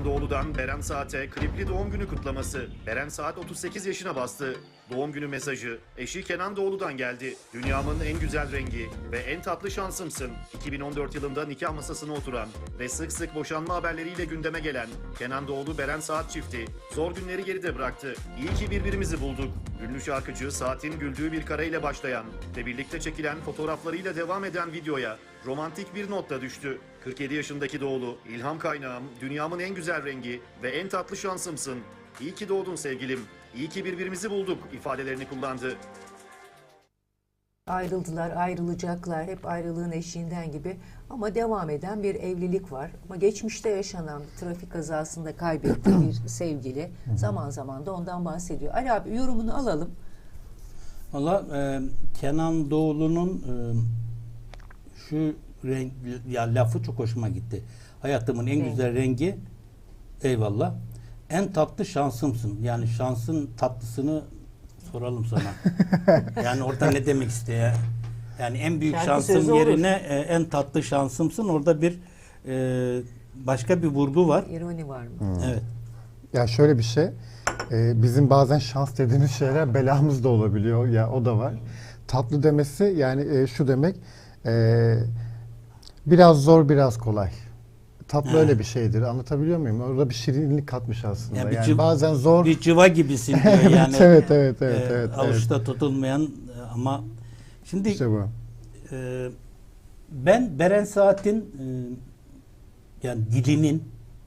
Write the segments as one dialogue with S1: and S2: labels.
S1: Doğulu'dan Beren Saat'e klipli doğum günü kutlaması. Beren Saat 38 yaşına bastı. Doğum günü mesajı eşi Kenan Doğulu'dan geldi. Dünyamın en güzel rengi ve en tatlı şansımsın. 2014 yılında nikah masasına oturan ve sık sık boşanma haberleriyle gündeme gelen Kenan Doğulu Beren Saat çifti zor günleri geride bıraktı. İyi ki birbirimizi bulduk. Ünlü şarkıcı Saat'in güldüğü bir kareyle başlayan ve birlikte çekilen fotoğraflarıyla devam eden videoya romantik bir not da düştü. 47 yaşındaki Doğulu, ilham kaynağım, dünyamın en güzel rengi ve en tatlı şansımsın. İyi ki doğdun sevgilim, iyi ki birbirimizi bulduk ifadelerini kullandı.
S2: Ayrıldılar, ayrılacaklar, hep ayrılığın eşiğinden gibi ama devam eden bir evlilik var. Ama geçmişte yaşanan trafik kazasında kaybettiği bir sevgili zaman zaman da ondan bahsediyor. Ali abi yorumunu alalım.
S3: Valla Kenan Doğulu'nun şu renk, ya lafı çok hoşuma gitti. Hayatımın en güzel rengi, eyvallah. En tatlı şansımsın. Yani şansın tatlısını soralım sana. Yani orada ne demek istiyor? Yani en büyük
S2: Şarkı
S3: şansım
S2: sözü
S3: yerine en tatlı şansımsın. Orada bir başka bir vurgu var.
S2: İroni var mı?
S3: Evet.
S4: Ya şöyle bir şey, bizim bazen şans dediğimiz şeyler belamız da olabiliyor. Ya o da var. Tatlı demesi yani şu demek, biraz zor biraz kolay. Tatlı öyle bir şeydir. Anlatabiliyor muyum? Orada bir şirinlik katmış aslında.
S3: Ya
S4: Yani bazen zor.
S3: Bir cıva gibisin diyor yani.
S4: evet.
S3: Avuçta tutulmayan ama şimdi
S4: İşte bu.
S3: ben Beren Saat'in yani dilinin,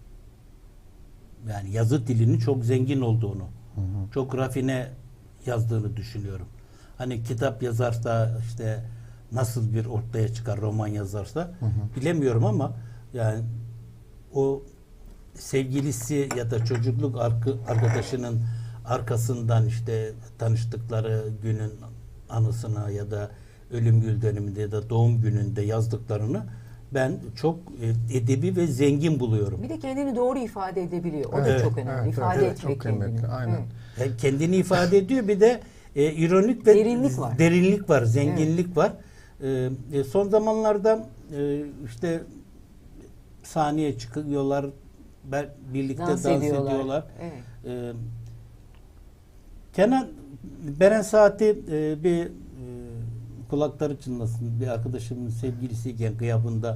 S3: yani yazı dilinin çok zengin olduğunu, çok rafine yazdığını düşünüyorum. Hani kitap yazarsa işte nasıl bir ortaya çıkar, roman yazarsa bilemiyorum ama yani o sevgilisi ya da çocukluk arkadaşının arkasından işte tanıştıkları günün anısına ya da ölüm yıl dönümünde ya da doğum gününde yazdıklarını ben çok edebi ve zengin buluyorum.
S2: Bir de kendini doğru ifade edebiliyor. O da çok önemli. İfade etmek
S4: çok kıymetli.
S2: kendini.
S4: Aynen.
S3: Kendini ifade ediyor, bir de ironik ve
S2: Derinlik var.
S3: Zenginlik var. Son zamanlarda işte sahneye çıkıyorlar, birlikte dans ediyorlar.
S2: Evet.
S3: Kenan Beren Saat'i bir kulakları çınlasın, bir arkadaşımın sevgilisiyken gıyabında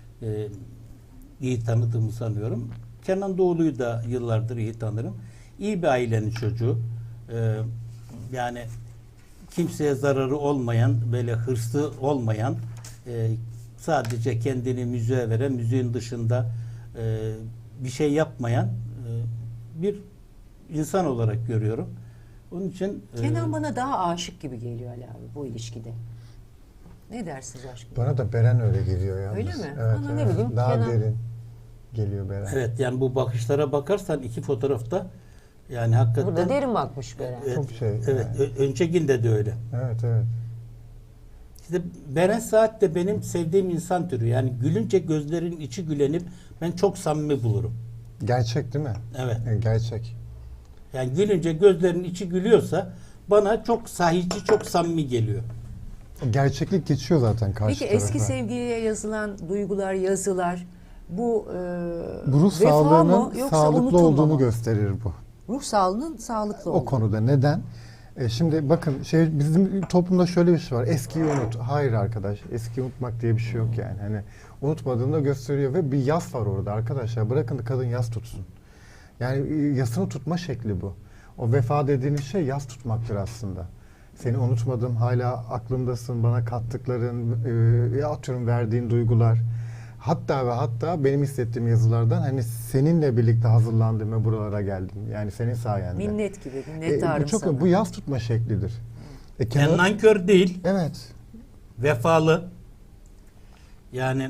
S3: iyi tanıdığımı sanıyorum. Kenan Doğulu'yu da yıllardır iyi tanırım. İyi bir ailenin çocuğu. Yani kimseye zararı olmayan, böyle hırslı olmayan, sadece kendini müziğe veren, müziğin dışında bir şey yapmayan bir insan olarak görüyorum. Onun için
S2: Kenan bana daha aşık gibi geliyor Ali abi bu ilişkide. Ne dersiniz aşkım?
S4: Bana da Beren öyle geliyor yalnız.
S2: Öyle mi?
S4: Evet,
S2: Bana ne bileyim,
S4: daha
S2: Kenan...
S4: derin geliyor Beren.
S3: evet, yani bu bakışlara bakarsan iki fotoğrafta yani hakikaten
S2: Burada derin bakmış Beren.
S4: Çok şey.
S3: evet,
S4: Yani.
S3: öncekinde de öyle.
S4: Evet.
S3: İşte Beren Saat de benim sevdiğim insan türü. Yani gülünce gözlerin içi gülenip ben çok samimi bulurum.
S4: Gerçek değil mi?
S3: Evet.
S4: Gerçek.
S3: Yani gülünce gözlerin içi gülüyorsa bana çok sahici, çok samimi geliyor.
S4: Gerçeklik geçiyor zaten karşı
S2: Peki
S4: tarafa.
S2: eski sevgiliye yazılan duygular, yazılar bu
S4: Bu ruh
S2: vefa
S4: sağlığının
S2: mı yoksa
S4: sağlıklı
S2: unutulma
S4: olduğunu
S2: mı?
S4: gösterir bu.
S2: Ruh sağlığının sağlıklı
S4: O
S2: olduğu.
S4: konuda neden? Şimdi bakın bizim toplumda şöyle bir şey var. Eskiyi unut. Hayır arkadaş. Eskiyi unutmak diye bir şey yok yani. Hani unutmadığını da gösteriyor ve bir yas var orada arkadaşlar. Bırakın da kadın yas tutsun. Yani yasını tutma şekli bu. O vefa dediğiniz şey yas tutmaktır aslında. Seni unutmadım, hala aklımdasın, bana kattıkların, atıyorum verdiğin duygular. Hatta ve hatta benim hissettiğim yazılardan hani seninle birlikte hazırlandım ve buralara geldim. Yani senin sayende.
S2: Minnet gibi, minnettarım
S4: Bu çok
S2: sana.
S4: bu yas tutma şeklidir.
S3: Yani nankör değil,
S4: Evet.
S3: vefalı. Yani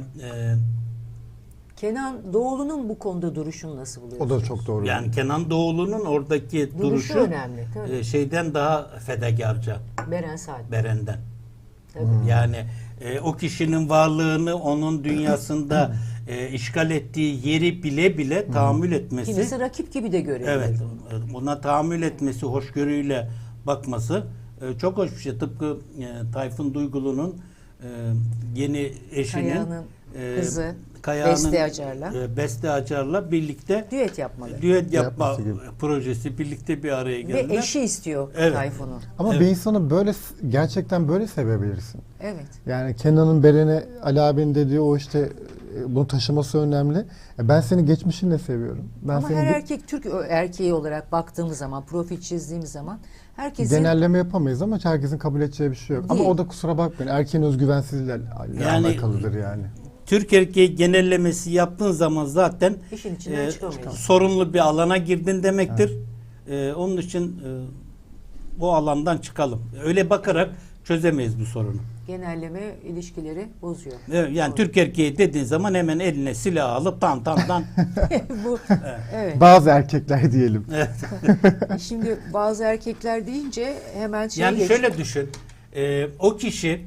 S2: Kenan Doğulu'nun bu konuda duruşunu nasıl
S4: O
S2: buluyorsunuz?
S4: da çok doğru.
S3: yani Kenan Doğulu'nun oradaki duruşu
S2: önemli. Tabii.
S3: Şeyden daha fedakarca,
S2: Beren Saat.
S3: Beren'den.
S2: Tabii.
S3: Yani o kişinin varlığını onun dünyasında işgal ettiği yeri bile bile tahammül etmesi.
S2: Kimisi rakip gibi de görüyor.
S3: Evet, buna tahammül etmesi, hoşgörüyle bakması çok hoş bir şey. Tıpkı Tayfun Duygulu'nun yeni eşinin
S2: Kaya'nın kızı.
S3: Kayağan'ın
S2: Beste Acar'la.
S3: Beste Acar'la birlikte
S2: Düet yapmalı.
S3: düet yapma
S4: Yapması gibi.
S3: projesi birlikte bir araya
S2: Ve
S3: geldiler.
S2: eşi istiyor
S3: Evet.
S2: Tayfun'u.
S4: Ama
S3: Evet.
S4: bir insanı böyle gerçekten böyle sevebilirsin.
S2: Evet.
S4: Yani Kenan'ın Beren'e Ali abinin dediği o işte bunu taşıması önemli. Ben seni geçmişinle seviyorum. Ben
S2: Ama
S4: seni
S2: her erkek Türk erkeği olarak baktığımız zaman, profil çizdiğimiz zaman herkesin
S4: genelleme yapamayız ama herkesin kabul edeceği bir şey yok.
S2: Değil.
S4: Ama o da kusura bakmayın erkeğin özgüvensizliğiyle
S3: Yani-
S4: alakalıdır yani.
S3: Türk erkeği genellemesi yaptığın zaman zaten
S2: işin içinden çıkamıyorsun.
S3: sorunlu bir alana girdin demektir. Onun için bu alandan çıkalım. Öyle bakarak çözemeyiz bu sorunu.
S2: Genelleme ilişkileri bozuyor.
S3: Evet, yani
S2: Doğru.
S3: Türk erkeği dediğin zaman hemen eline silah alıp tan.
S2: Bu evet.
S4: Bazı erkekler diyelim.
S2: Şimdi bazı erkekler deyince hemen şey
S3: Yani
S2: geç-
S3: şöyle düşün. O kişi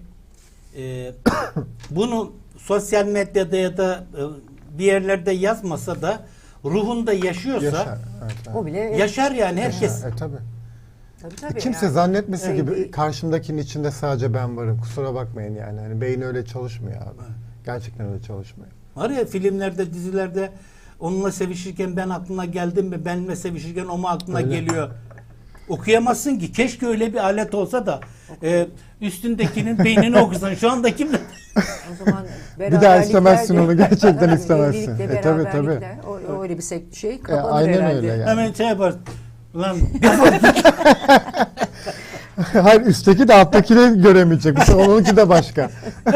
S3: bunu sosyal medyada ya da bir yerlerde yazmasa da ruhunda yaşıyorsa
S4: Yaşar. Evet, evet.
S2: o bile
S3: yaşar yani herkes.
S4: Tabii.
S2: tabii
S4: Kimse
S2: yani.
S4: zannetmesin
S2: Öyle
S4: gibi
S2: bir-
S4: karşımdakinin içinde sadece ben varım. Kusura bakmayın yani. Hani beyin öyle çalışmıyor abi. Gerçekten öyle çalışmıyor.
S3: Var ya filmlerde, dizilerde onunla sevişirken ben aklına geldim mi? Benimle sevişirken o mu aklına
S4: Öyle.
S3: geliyor? Okuyamazsın ki. Keşke öyle bir alet olsa da üstündekinin beynini okusan. Şu anda kim?
S2: O zaman
S4: Bir daha istemezsin
S2: beraberlikler de-
S4: onu, gerçekten
S2: Tabii,
S4: istemezsin.
S2: evlilikle
S4: Tabii,
S2: beraberlikler, o öyle bir şey kapanır
S4: aynen
S2: herhalde.
S4: öyle yani.
S3: Hemen şey yapar. Lan
S4: Hayır üstteki de alttakini göremeyecek. Mesela onunki de başka.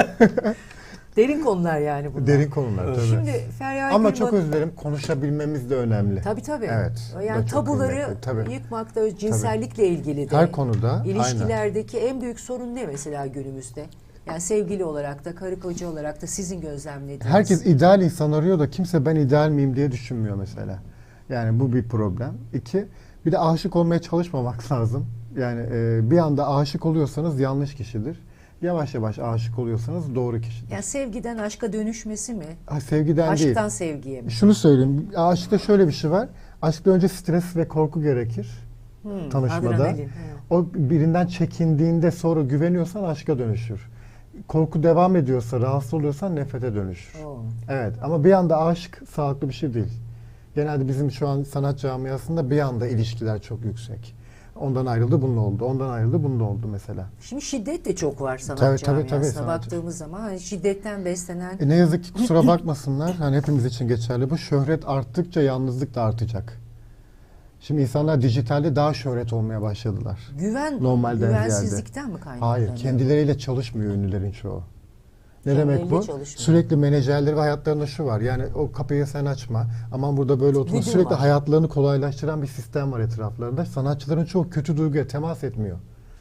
S2: Derin konular yani bunlar.
S4: Derin konular tabii.
S2: Şimdi Feryal
S4: Ama
S2: Gülman-
S4: çok özür dilerim konuşabilmemiz de önemli.
S2: Tabii.
S4: Evet. o da
S2: Yani
S4: çok
S2: tabuları
S4: kıymetli, tabii.
S2: yıkmak da cinsellikle ilgili de.
S4: Her konuda,
S2: İlişkilerdeki en büyük sorun ne mesela günümüzde? Yani sevgili olarak da, karı koca olarak da sizin gözlemlediğiniz.
S4: Herkes ideal insan arıyor da kimse ben ideal miyim diye düşünmüyor mesela. Yani bu bir problem. İki, bir de aşık olmaya çalışmamak lazım. Yani bir anda aşık oluyorsanız yanlış kişidir. Yavaş yavaş aşık oluyorsanız doğru kişidir.
S2: Yani sevgiden aşka dönüşmesi mi?
S4: Sevgiden değil.
S2: Aşktan sevgiye mi?
S4: Şunu söyleyeyim. Aşkta şöyle bir şey var. Aşkta önce stres ve korku gerekir. Tanışmada.
S2: Adrenalin, evet.
S4: O birinden çekindiğinde sonra güveniyorsan aşka dönüşür. Korku devam ediyorsa, rahatsız oluyorsan nefrete dönüşür.
S2: Oo.
S4: Evet ama bir anda aşk sağlıklı bir şey değil. Genelde bizim şu an sanat camiasında bir anda ilişkiler çok yüksek. Ondan ayrıldı bununla oldu. Ondan ayrıldı bununla oldu mesela.
S2: Şimdi şiddet de çok var sanat
S4: Tabii,
S2: camiasına
S4: sanat-
S2: baktığımız zaman. Hani şiddetten beslenen
S4: Ne yazık ki kusura bakmasınlar. Hani hepimiz için geçerli bu. Şöhret arttıkça yalnızlık da artacak. Şimdi insanlar dijitalde daha şöhret olmaya başladılar.
S2: güvensizlikten mi kaynaklanıyor?
S4: Hayır, kendileriyle çalışmıyor ünlülerin çoğu. Ne
S2: Kendileriyle
S4: demek bu?
S2: çalışmıyor.
S4: Sürekli menajerleri ve hayatlarında şu var. Yani o kapıyı sen açma. Aman burada böyle oturma.
S2: Güdüm
S4: Sürekli
S2: var.
S4: hayatlarını kolaylaştıran bir sistem var etraflarında. Sanatçıların çoğu kötü duyguya temas etmiyor.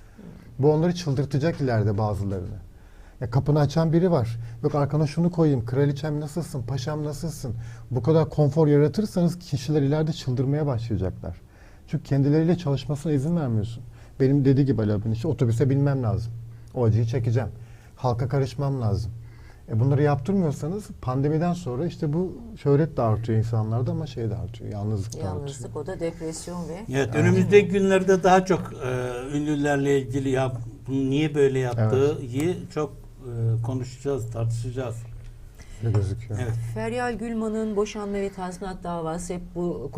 S4: Bu onları çıldırtacak ileride bazılarını. Ya kapını açan biri var. Yok arkana şunu koyayım. Kraliçem nasılsın? Paşam nasılsın? Bu kadar konfor yaratırsanız kişiler ileride çıldırmaya başlayacaklar. Çünkü kendileriyle çalışmasına izin vermiyorsun. Benim dediği gibi Ali abinin işte otobüse binmem lazım. O acıyı çekeceğim. Halka karışmam lazım. Bunları yaptırmıyorsanız pandemiden sonra işte bu şöhret de artıyor insanlarda ama şey de artıyor. Yalnızlık da artıyor.
S2: Yalnızlık, o da depresyon ve
S3: evet, önümüzdeki günlerde daha çok ünlülerle ilgili bunu niye böyle yaptığı çok konuşacağız, tartışacağız.
S4: Ne gözüküyor.
S3: Evet.
S2: Feryal Gülman'ın boşanma ve tazminat davası hep bu